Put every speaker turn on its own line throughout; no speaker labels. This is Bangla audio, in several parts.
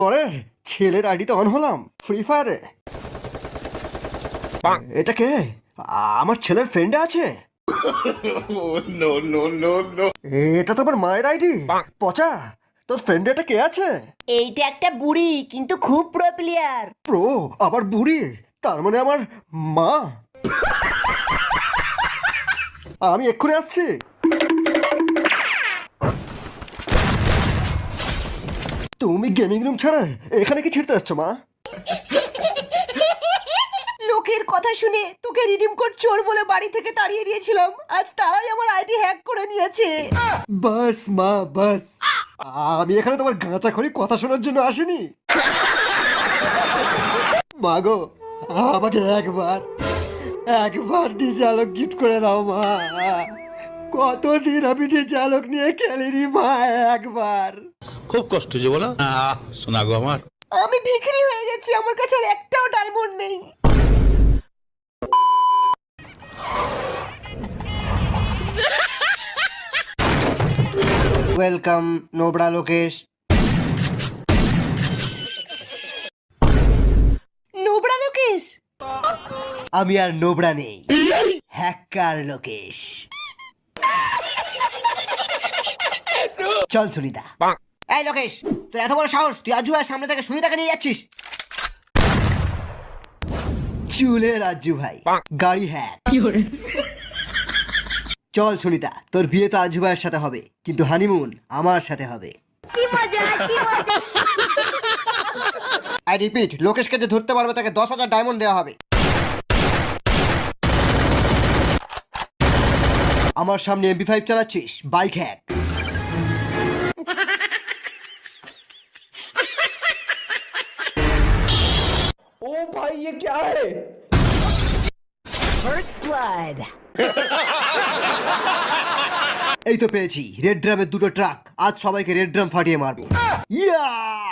পরে ছেলের আইডিতে অন হলাম ফ্রি ফায়ারে। এটা কে? আমার ছেলের ফ্রেন্ডে আছে। এটা তো আমার মায়ের আইডি। পচা, তোর ফ্রেন্ডে এটা কে আছে?
এইটা একটা বুড়ি কিন্তু খুব প্রো প্লেয়ার।
প্রো? আবার বুড়ি? তার মানে আমার মা। আমি এক্ষুনি আসছি। তুমি গেমিং রুম ছাড়া এখানে কি ছিড়তে আসছো মা?
লোকের কথা শুনে তোকে রিডিম কোড চোর বলে বাড়ি থেকে তাড়িয়ে দিয়েছিলাম, আজ তারাই আমার আইডি হ্যাক করে নিয়েছে।
বাস মা বাস, আমি এখানে তোমার গাঁচাখড়ি কথা শোনার জন্য আসিনি। মাগো, আমাকে একবার ডিজে আলোক গিফট করে দাও মা। কতদিন আমি ডিজে আলোক নিয়ে খেলিনি মা, একবার।
খুব কষ্ট যে বলো শোনা গো আমার।
আমি ভিখারি হয়ে গেছি, আমার কাছে আর একটাও ডায়মন্ড নেই।
ওয়েলকাম নোবড়া লোকেশ।
নোবড়া লোকেশ?
আমি আর নোবড়া নেই, হ্যাকার লোকেশ। চল সুনিতা।
এই লোকেশ, তোর এত বড় সাহস, তুই আজু ভাইয়ের সামনে থেকে সুনিতাকে নিয়ে যাচ্ছিস?
চুলে রাজু ভাই, গাড়ি হ্যাক। চল সুনিতা, তোর বিয়ে তো আজু ভাইয়ের সাথে হবে, কিন্তু হানিমুন আমার সাথে হবে। আই রিপিট, লোকেশকে যে ধরতে পারবে তাকে 10,000 ডায়মন্ড দেওয়া হবে। আমার সামনে MP5 চালাচ্ছিস, বাইক হ্যাক।
ओ भाई ये क्या है?
First blood.
এই তো পেয়েছি রেড ড্রামের 2টো ট্রাক। আজ সবাইকে রেড ড্রাম ফাটিয়ে মারবো। ইয়া!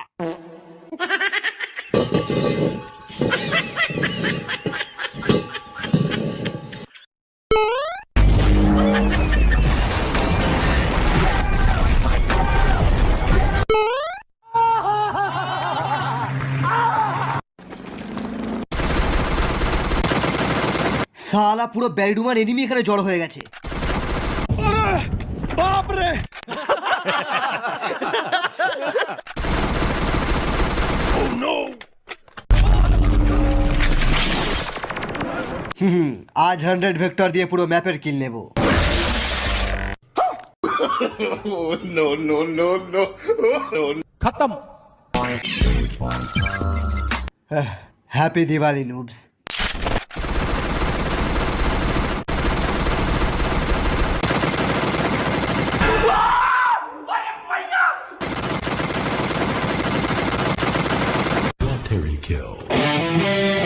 সালা পুরো ব্যারিডুমার এনিমি এখানে জড়ো হয়ে গেছে। আজ 100 ভেক্টর দিয়ে পুরো ম্যাপের কিল নেব।
खत्म।
Happy Diwali noobs.
Terry kill.